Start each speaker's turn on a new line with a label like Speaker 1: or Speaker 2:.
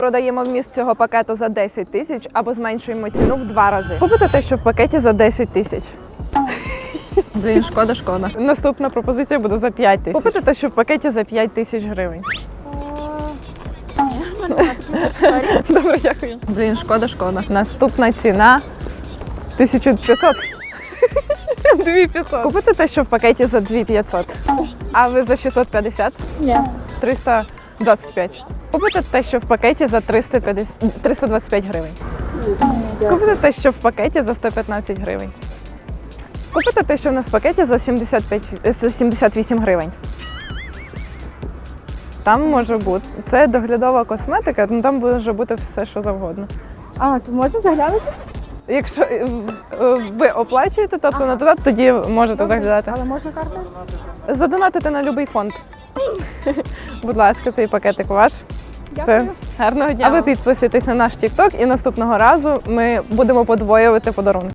Speaker 1: Продаємо вміст цього пакету за 10 тисяч або зменшуємо ціну в 2 рази. Купите те, що в пакеті за 10 тисяч. Блін, шкода. Наступна пропозиція буде за 5 тисяч. Купите те, що в пакеті за 5 тисяч гривень. Добре, дякую. Блін, шкода. Наступна ціна 1500. 2500. Купите те, що в пакеті за 2500. А ви за 650?
Speaker 2: Ні.
Speaker 1: 325. Купите те, що в пакеті за 325 гривень. Купите те, що в пакеті за 115 гривень. Купите те, що в нас в пакеті за 78 гривень. Там може бути. Це доглядова косметика, там може бути все, що завгодно.
Speaker 2: А, то можна заглянути?
Speaker 1: Якщо ви оплачуєте, тобто на додаток, тоді можете заглядати.
Speaker 2: Але можна картою?
Speaker 1: Задонатити на будь-який фонд. Будь ласка, цей пакетик ваш. Все. Гарного дня. А ви підписуйтесь на наш TikTok і наступного разу ми будемо подвоювати подарунки.